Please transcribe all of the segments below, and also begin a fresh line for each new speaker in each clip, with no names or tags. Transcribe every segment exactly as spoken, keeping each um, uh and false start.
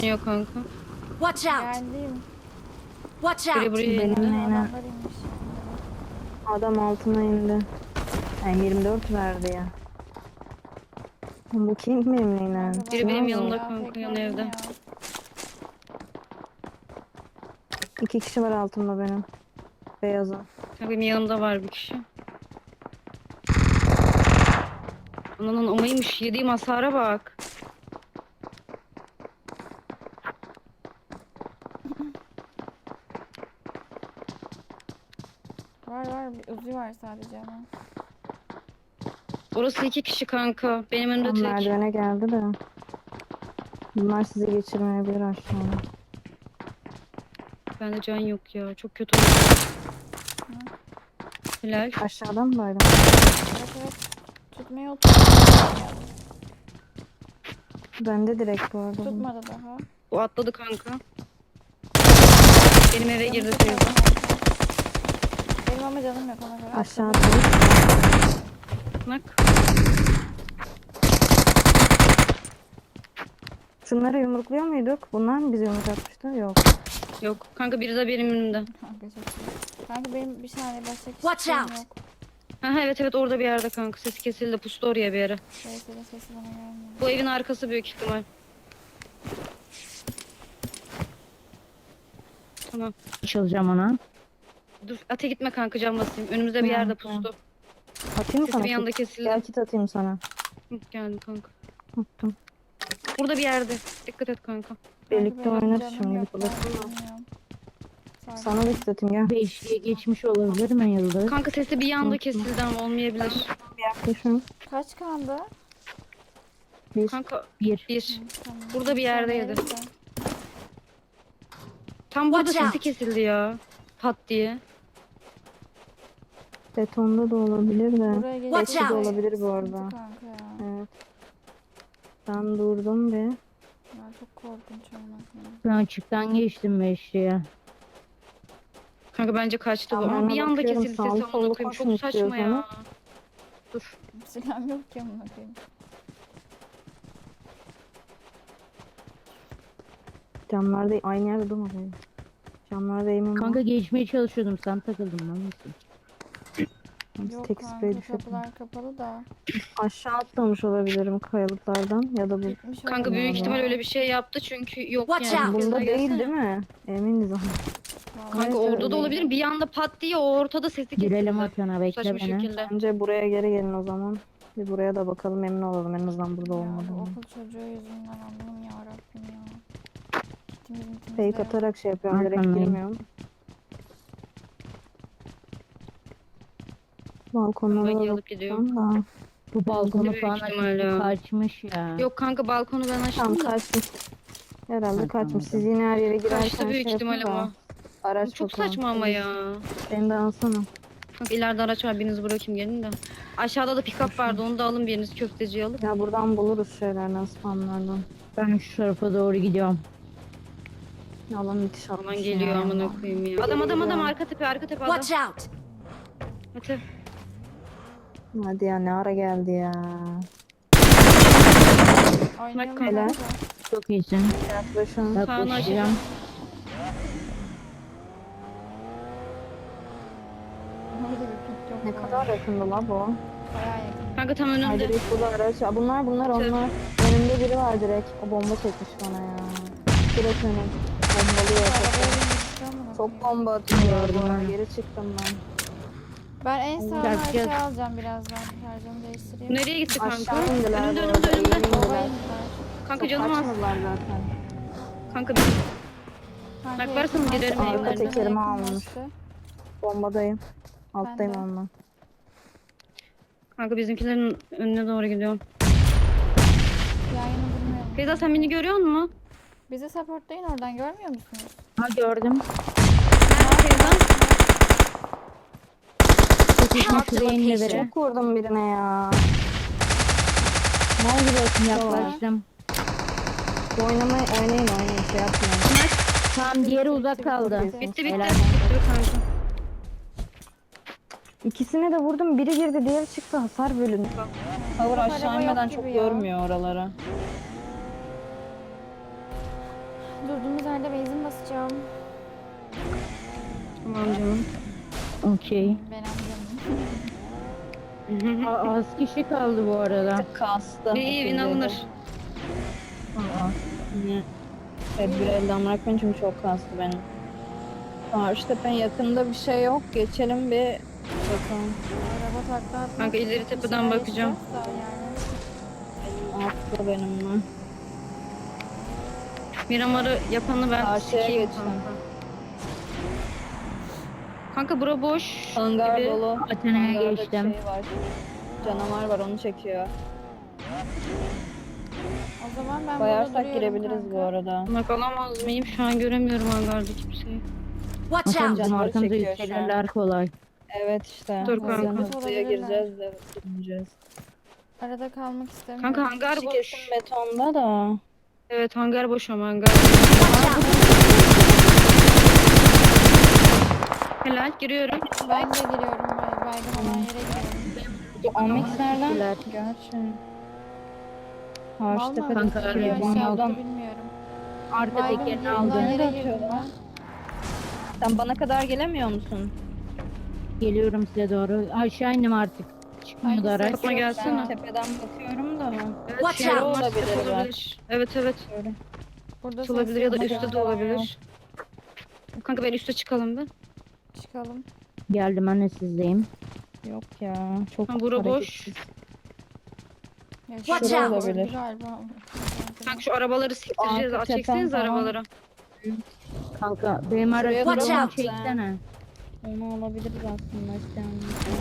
Yok kanka.
Watch out!
Geldim.
Watch
Biri
out!
buraya
Benim
indi.
neyine
Adamlar inmiş.
adam altına indi. Yani yirmi dört verdi ya. Bu kim benim neyine?
Kanka
Biri
bak-
benim
Var
yanımda
mı?
kanka,
pek
yan
öyle
evde.
ya.
İki kişi var altımda benim. Beyazı.
Kanka benim yanımda var bir kişi. Ananın amaymış. Yediğim hasara bak.
Var var bir uzi var sadece ama.
Orası iki kişi kanka. Benim önümde
Tam
tek.
merdivene geldi de. Bunlar sizi geçirmeyebilir aşağıya.
Bende can yok ya. Çok kötü oldu. Helal.
Aşağıdan mı baydım?
Evet evet. Tutmaya oturdu.
Bende direkt bu arada. bu.
Tutmadı daha.
O atladı kanka. Benim eve girdi
Canım
teyze.
çok az. Benim ama canım yok ona göre.
Aşağıda.
Bak.
Şunları yumrukluyor muyduk? Bunlar mı bizi yumruk atmıştı? Yok.
Yok. Kanka biri de benim önümde.
Kanka çok iyi. Kanka benim bir saniye başka kişi
Watch
şeyim
out.
yok.
Ha evet evet orada bir yerde kanka. Sesi kesildi. Pustu oraya bir yere.
Şeyse'de sesi bana gelmiyor.
Bu evin arkası büyük ihtimal. Tamam.
Çalacağım ona.
Dur ate gitme kanka, can basayım. Önümüzde bir yerde
Tamam,
pustu.
Atayım mı
Sesi
sana?
bir anda
kit?
kesildi.
Gel kit atayım sana.
Hı, geldim kanka.
Attım.
Burada bir yerde. Dikkat et kanka.
Birlikte
Kanka benim
oynarız
canım
şimdi.
yok, ben
Ulaşın mı?
bilmiyorum. Sadece-
Sana da kit atayım gel.
Beşliğe geçmiş olabilir mi Yıldız?
Kanka sesi bir anda kesildi ama olmayabilir.
Yaklaşın.
Kaç kandı?
Bir.
Kanka
Bir.
bir.
Hı, tamam.
Burada bir yerdeydi.
Neyse.
Tam burada
Watch
sesi
out.
kesildi ya. Pat diye.
Betonda da olabilir de.
Buraya gelip
Watch
Beşli de
out.
olabilir bu arada.
Sıkıntı kanka ya.
Evet. Ben durdum bir.
Ya çok korkunç olmak.
Ben açıktan geçtim beşliğe.
Kanka bence kaçtı bu.
Tamam,
Ama bir
hemen
anda
bakıyorum.
kesildi
Sağlı
sesi, amına
sollu
koyayım.
koşun
Çok saçma ya.
istiyorsanız.
Dur.
Silahım yok ki amına koyayım.
Camlarda aynı yerde durmayın. Camlarda eğimim
Kanka
var.
geçmeye çalışıyordum, sen takıldın lan mısın?
Biz
Yok
tek
kanka
sprey düşürdüm.
kapılar kapalı da.
Aşağı atlamış olabilirim kayalıklardan ya da bu.
Gitmiş
Kanka
olabilir
büyük
ya.
ihtimal öyle bir şey yaptı çünkü yok
Watch
yani.
out.
Bunda
Keza
değil
gelsene.
değil mi? Eminiz ama.
Vallahi
Kanka
Evet,
orada
öyle.
da olabilir. Bir anda pat diye o ortada sesi kesildi.
Girelim Hakan'a, bekle
Saçma
beni.
şekilde.
Bence buraya geri gelin o zaman. Bir buraya da bakalım, emin olalım en azından burada
Ya bu
olmadığını.
okul çocuğu yüzünden Allah'ım ya Rabbim ya. Kitimiz mitimiz de
Fake
yok.
atarak şey yapıyorum, direkt
Arkamdayım.
girmiyorum. Balkonlara
Ben
da
yalıp gidiyorum.
bakacağım da.
Bu balkonu
Büyük
falan
ihtimalle
açmış,
ya.
kaçmış ya.
Yok kanka balkonu ben açtım
Tamam
da.
kaçmış. Herhalde
Ha,
kaçmış.
tamam.
Siz yine her yere girerken
Kaçtı büyük
şey
ihtimal
yapın da.
ama.
Araç
Çok
bakalım.
saçma ama ya.
Beni de alsana.
Kanka ileride araç var, birinizi bırakayım gelin de. Aşağıda da pick-up vardı, onu da alın biriniz, köfteciyi alın.
Ya buradan buluruz şeylerden, spamlardan.
Ben şu tarafa doğru gidiyorum.
Alan müthiş atmış
Aman geliyor
ya.
amına koyayım ya. Adam adam adam, arka tepe arka tepe adam.
Watch out!
Hadi.
Hadi ya, ne ara geldi ya.
Oynayalım
Bak,
helal.
kanka.
Çok iyisin.
Yaklaşın.
Yaklaşacağım.
Orada bir pik yok.
Ne
bu
kadar
arada.
yakındı la bu.
Bayağı yakın.
Kanka tam
Ay
önümde.
direkt burada araç. Aa, bunlar bunlar
Tüh.
onlar. Önümde biri var direkt. O bomba çekmiş bana ya. Direkt önüm. Bombalıyor.
Arabaya
Çok,
bindik amına
çok
koyayım.
bomba atıyor.
Gördüm
bu.
onu.
Geri çıktım ben.
Ben en sağdan
Gel, gel.
aşağı alacağım birazdan. Şarjımı değiştireyim.
Nereye gitti kanka?
Aşağı indiler
Önümde
bu
önümde
arada,
önümde.
iyi
Baba
indiler.
indiler.
Kanka
Çok
canım az.
kaçmadılar zaten.
Kanka bir
Kanka
Bak, varsın
yakınlaştı,
giderim
arka
evlerine.
tekerimi
yakınlaştı.
almış. Bombadayım. Alttayım
de.
onunla.
kanka bizimkilerin önüne doğru gidiyorum.
Yayını bilmiyorum.
Feyza sen beni görüyor musun?
Bizi supportlayın oradan, görmüyor musunuz?
Ha gördüm.
Nerede Feyza?
Çekişme
Mark the
şuraya inle
location.
bere.
Çok vurdum birine ya. Ne oldu bakayım
Yaklaştım.
Oynamayı oynayın oynayın şey yapmayın.
Tamam, diğeri uzak kaldı.
Bitti,
Bitti bitti.
Helal.
Bitti kanka.
İkisine de vurdum. Biri girdi, diğeri çıktı. Hasar bölünü.
Tavır aşağı inmeden çok görmüyor
oralara.
nerede benzin basacağım.
Tamam canım.
Okey.
Ben amcamım.
Aa, az kişi kaldı bu arada.
Kastı.
İyi iyi win alınır.
Aa, yine tedbir elden bırakmayın çünkü çok kastı benim. Karşıtepe'nin yakında bir şey yok. Geçelim bir bakalım.
Araba takla atmak.
Kanka ileri tepeden
Bir şey
bakacağım.
istiyorsa yani.
Atlı benimle.
Miramar'ı yapanı ben
Karşıya
sikeyim
geçtim.
kanka. Kanka bura boş.
Hangar
gibi.
dolu.
Atina'ya
Hangarda bir
geçtim.
şey var. Canavar var onu çekiyor.
O zaman ben burada
Bayarsak
duruyorum
girebiliriz
kanka.
bu arada.
Bak alamaz mıyım? Şu an göremiyorum hangarda kimseyi.
Watch
Hakan
out!
bizim
Canavarı
arkamıza
çekiyor şu an.
yükselirler kolay.
Evet işte.
Dur
O yüzden
kanka.
hızlıya
Olabilirler.
gireceğiz de gireceğiz.
Arada kalmak istemiyorum.
Kanka hangar
Kişi
boş.
kesin betonda da.
Evet hangar boş ama hangar.
Watch out!
Helal giriyorum.
Ben de giriyorum. bay- Baygın olan yere giriyorum.
Amix nereden?
Teşekkürler.
Gerçi.
Vallahi
Karşıtepe'de
Kanka,
ben
araya
aşağı
bunu
attı
aldım.
bilmiyorum.
Arka
Baygın
tekerini
olan
aldım.
yere
Nerede
girdim
atıyorlar?
ben.
Sen bana kadar gelemiyor musun?
Geliyorum size doğru. Aşağı indim artık. Çıkmıyordu
Hangisi?
araç.
Kapıma
Ben
gelsene.
tepeden bakıyorum da.
Evet,
Watch
şey
out.
olmaz,
Olabilir
tepe
bak.
olabilir. Evet evet.
Şöyle.
Burada
Üst olabilir ya da
ses
üstte
yok.
de olabilir. Kanka ben üste çıkalım bir.
Çıkalım.
Geldim anne sizdeyim.
Yok ya. Çok
Ha, bura boş.
hareketsiz.
Ya
Watch
şurada
out.
öldü galiba.
Kanka şu arabaları siktireceğiz.
Arka
Çekseniz
tepem falan.
arabaları.
Kanka benim
Şuraya
aracı
Watch
drone
out.
çeksene.
Onu alabiliriz aslında isteyen.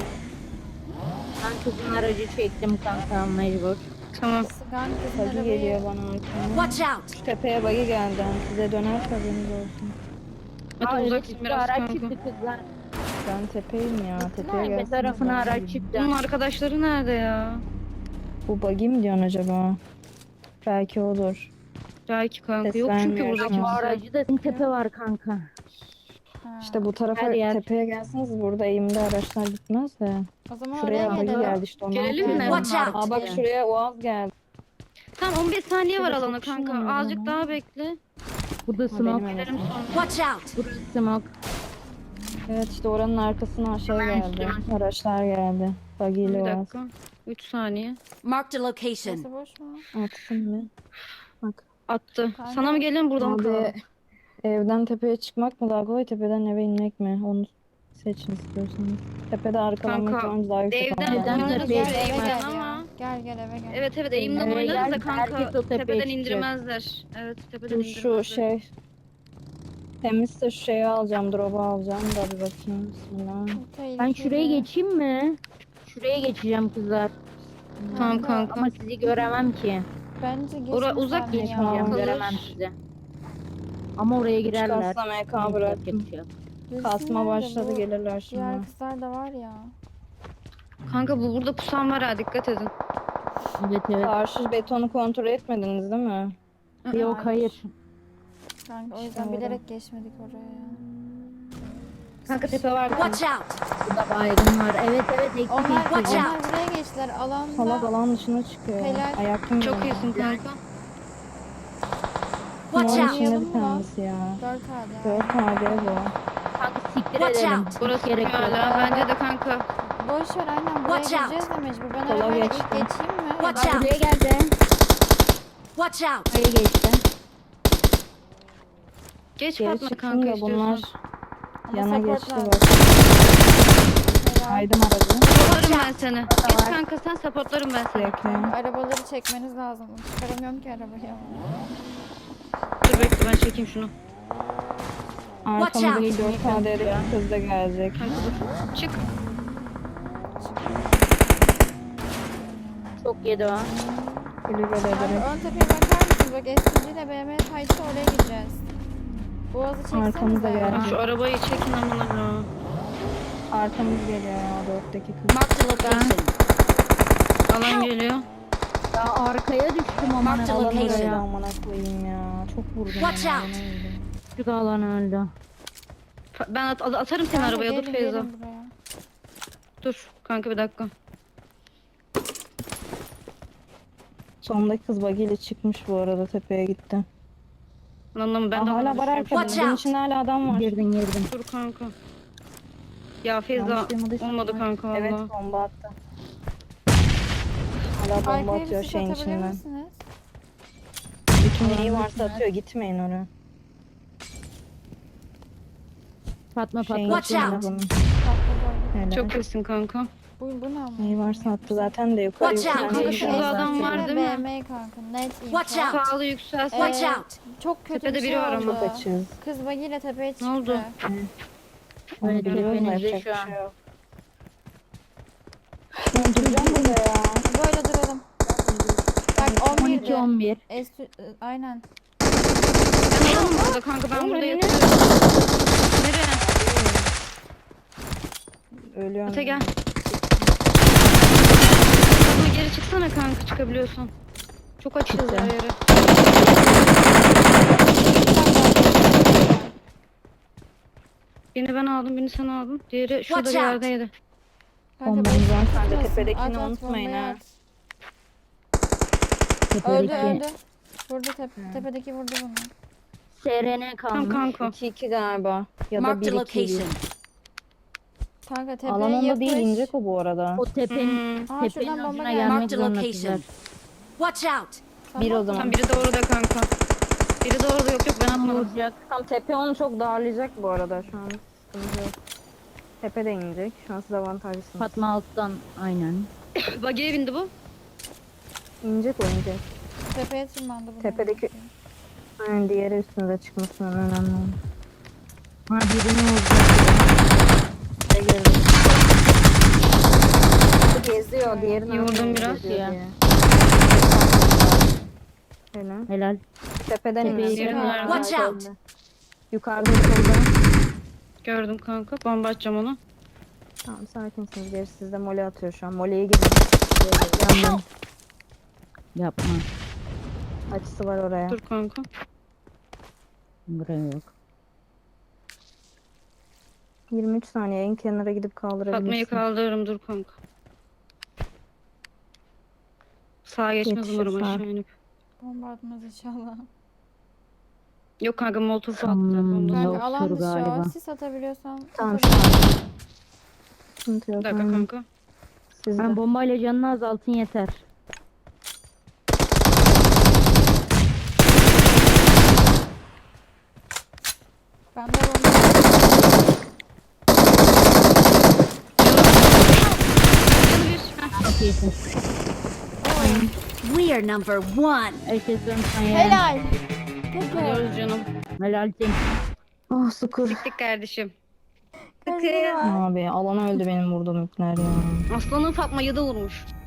Ben kızın aracı çektim kanka mecbur.
Tamam.
Sıkan kızın
Bagi
arabayı.
geliyor bana arkadan.
Watch out!
Şu tepeye bagi geldi. Size döner haberiniz olsun.
Mete
Aa,
uzaksın
evet,
biraz
araç
kanka.
çıktı kızlar.
Ben tepeyim ya. Tepeye
Tepe
gelsin.
tarafına araç çıktı.
Bunun arkadaşları nerede ya?
Bu bagi mi diyorsun acaba? Belki olur.
Belki kanka.
Ses
Yok çünkü
vermiyor
burada
şu an.
Bu
kimse.
aracı da tepe var kanka.
Ha.
İşte bu tarafa
Her yer.
tepeye gelseniz burada eğimde araçlar gitmez de.
O zaman
Şuraya
oraya
bagi
gelelim.
geldi işte onu.
Gelelim mi?
alacağım.
Watch out.
Aa bak şuraya Oğaz geldi.
Tamam on beş saniye var
Şurada
alana
çok kişi
kanka.
var
Azıcık
ama.
daha bekle.
Burada
Ha,
smoke.
benim
Gelelim
evet.
sonra.
Watch out!
Burası smoke.
Evet işte oranın arkasına şey
Hemen
geldi.
şuraya.
Araçlar geldi. Bagi ile
Bir
Oğaz.
dakika. üç saniye.
Marked a location.
Burası boş mu?
Atsın mı? Bak.
Attı.
Kanka.
Sana mı gelin buradan mı kalalım?
Abi evden tepeye çıkmak mı daha kolay tepeden eve inmek mi? Onu seçin istiyorsanız. Tepede arkalanma
Kanka,
ihtimalimiz daha yüksek.
evden
ama.
Evden
oynarız
tepeye
şuraya
Gel eve
çıkmak.
gel
giden
ya.
ama.
Gel gel eve gel.
Evet evet eğimden
Eve
oynarız da
gel,
kanka.
herkes o tepeye
Tepeden
çıkacak.
indirmezler. Evet tepeden
Dur
indirmezler.
şu şey temizse şu şeyi alacağım, drop'u alacağım da bir bakayım. Bismillah.
Bu tehlikeli.
Ben şuraya geçeyim mi? Şuraya geçeceğim kızlar.
Tamam kanka.
Ama sizi göremem ki.
Bence geçme
Ora- uzak
sen
geç
ya.
Geçmeyeceğim,
kalır.
göremem sizi. Ama oraya girerler.
Kasla M K
Yapacak
bıraktım.
bir şey yok.
Kasma
Bilsinler de
başladı
bu
gelirler şimdi.
Diğer kızlar da var ya.
Kanka bu burada pusan var ha dikkat edin.
Evet evet.
Karşı betonu kontrol etmediniz değil mi?
Yok hayır.
Kanka o
İşte
yüzden
orada.
bilerek geçmedik oraya.
Kanka tepe var.
Watch out!
Burada baygın var. Evet evet eksik
Onlar,
Watch
eksik.
out.
onlar buraya geçtiler.
Salak
Alanda
alan dışına çıkıyor.
Helal.
Ayak kim
Çok
yiyor?
iyisin kanka.
Watch
Bunun
out!
içinde
Oynayalım
bir
mı?
tanesi ya.
dört hadi.
dört H D bu.
Kanka siktir
Watch
edelim.
out.
Hiç
Burası
gerek yok.
hala. Bence de kanka.
Boş ver aynen buraya
Watch out.
gireceğiz de mecbur. Ben
Sola
arabayla ilk
geçtim.
geçeyim mi?
Watch
Bak
out!
buraya geldi.
Watch out!
Buraya geçti.
Geç
Geri
Fatma
çıktım
kanka
da bunlar
istiyorsan.
Ama
yana
support
geçti
lazım.
bak.
Helal.
Aydım aracı.
Supportlarım ben seni. Geç kanka sen supportlarım ben seni.
Bekle.
Arabaları çekmeniz lazım. Çıkaramıyorum ki arabayı.
Dur bekle ben çekeyim şunu.
Arkamızdaki
out.
dört H D'deki kız da gelecek.
Kanka dur. Çık.
Çok yedi o.
Kulübe de
Kanka
direkt.
ön tepeye bakar mısınız? Bak S G ile B M Fight'ı oraya gideceğiz. Boğazı çeksenize.
Arkamıza geldi.
Lan şu arabayı çekin amına.
Arkamız geliyor ya dörtteki kız.
Marked a location.
Alan geliyor.
Ya arkaya düştüm ama.
Marked
Alan
location.
öyle amına koyayım ya. Çok vurdum.
Watch
ona,
out.
ona öldüm.
Küçük alan öldü.
Fa- Ben at- at- atarım seni
Kanka
arabaya dur
gelin,
Feyza.
gelin buraya.
Dur kanka bir dakika.
Sondaki kız bagiyle çıkmış bu arada tepeye gitti.
Anlamı ben de
Aa, hala var
anlamışım.
arkada.
Watch
Bunun
out.
içinde hala adam var.
Girdin girdin.
Dur kanka. Ya Feyza
Yanlış duymadıysam
olmadı
var.
kanka valla.
Evet bomba attı. Hala bomba
Arkaya bir
atıyor
sis
şeyin
atabilir
içinden.
misiniz?
Bütün neyi varsa atıyor, gitmeyin oraya.
Fatma
Şeyin
Fatma.
Watch
içinde
out.
bunun.
Tatlı
Helal.
Çok kesin kanka.
Bu, bu ne ama?
Neyi varsa attı zaten de yukarı
Watch out.
yükselmeye
Kanka şurada
gidiyor
adam
zaten.
var değil mi?
B M kanka net info.
Watch out.
Sağlı yükselsin.
Watch
Ee,
out.
Çok kötü
Tepede
bir şey
biri var
oldu.
ama.
Çok açığız.
Kız bagiyle tepeye çıktı.
Ne oldu?
Onu
Evet,
biliyoruz da
tepenizde
yapacak
şu
bir
an.
şey yok. Ben duracağım burada ya.
Böyle duralım. Bak on
on iki
birde.
on bir.
Estü- aynen.
Ben alalım burada kanka ben
Oğlum,
burada
önüne-
yatıyorum. Nereye?
Ölüyorum.
Ate gel. Ama geri çıksana kanka çıkabiliyorsan. Çok açığız
Çıktı.
her yere. Birini ben aldım, birini sen aldın. Diğeri şurada bir
Watch out.
yerdeydi.
Kanka
Bombamız
beni
var sende,
tutmasın.
tepedekini
At, at,
unutmayın
bombayı
ha.
at. Öldü
Tepedeki
öldü. Vurdu tep tepedeki vurdu bunu.
S R N
Tamam
kalmış.
kanka.
iki iki galiba. Ya da
Marked
bir
a
iki bir.
location.
Kanka tepeye
Alan onda
yapış.
değil, inecek o bu arada.
O tepenin,
Hmm.
Aa,
tepenin
şuradan bomba
ucuna
geldi.
gelmek
Marked a
zorunda
location.
kızlar.
Watch out.
Bir o
Tamam.
zaman.
Tam biri de orada kanka. Biri de orada yok yok ben atmadım.
Vuracak.
Tam tepe onu çok darlayacak bu arada şu an. Sıkıntı yok. Tepe de inecek. Şu an siz avantajlısınız.
Fatma alttan aynen.
Bagiye bindi bu.
İnecek o inecek.
Tepeye tırmandı bu.
Tepedeki- Aynen diğeri üstünüze çıkmasından önemli olan.
Ha birini vuracak.
Şey görüyorum. Bu geziyor. Diğeri
Yordum
nereden
biraz
geziyor
ya.
diye. Helal.
Helal.
Tepeden
Tepeye
inecek.
girin.
Watch out.
Yukarıda solda.
Gördüm kanka. Bomba atacağım onu.
Tamam sakinsiniz. Gerisi sizde mole atıyor şu an. Moleye girin. Yandım.
Yapma.
Açısı var oraya.
Dur kanka.
Buraya yok.
yirmi üç saniye en kenara gidip
Fatma'yı
kaldırabilirsin.
kaldırırım dur kanka. Sağa geçmez
Yetişir,
umarım
sağ.
aşağı inip.
Bomba atmaz inşallah.
Yok kanka molotof attı.
Hmm.
Ondan
Kanka
Yoktur
alan dışı
galiba.
o. Sis atabiliyorsan.
Tamam
atabilirsin.
şu an. Sıkıntı yok.
Bir dakika
aynen.
kanka.
Sizde.
Ben bombayla canını azaltın yeter.
Ben de bomba.
Canı bir. Heh.
Çok iyisin.
We are number one.
Herkes dönsün ya.
Helal. Peki.
Gidiyoruz canım.
Helal sen.
Ah sıkır.
Siktik kardeşim.
Gözleri var.
Abi alan öldü benim vurduğum ipler ya.
Aslanın Fatma'yı da vurmuş.